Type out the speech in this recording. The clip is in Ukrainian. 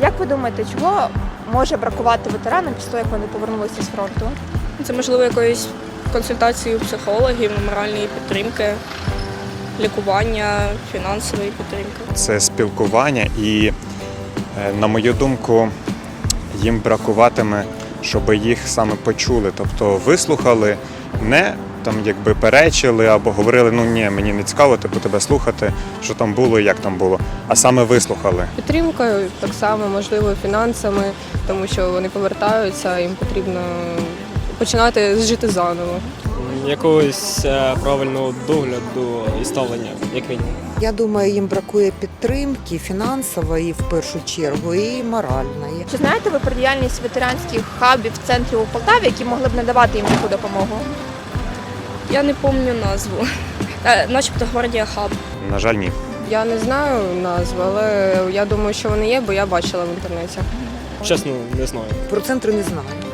Як ви думаєте, чого може бракувати ветеранам після того, як вони повернулися з фронту? Це, можливо, якоїсь консультації у психологів, моральної підтримки, лікування, фінансової підтримки. Це спілкування і, на мою думку, їм бракуватиме, щоб їх саме почули, тобто вислухали, не там якби перечили або говорили, ну ні, мені не цікаво тебе слухати, що там було і як там було, а саме вислухали. Підтримкою, так само, можливо, фінансами, тому що вони повертаються, їм потрібно починати жити заново. Якогось правильного догляду і ставлення, як мінімум. Я думаю, їм бракує підтримки фінансової в першу чергу і моральної. Чи знаєте ви про діяльність ветеранських хабів в центрі у Полтаві, які могли б надавати їм таку допомогу? Я не пам'ятаю назву. Начебто Гвардія Хаб. На жаль, ні. Я не знаю назви, але я думаю, що вони є, бо я бачила в інтернеті. Чесно, не знаю. Про центри не знаю.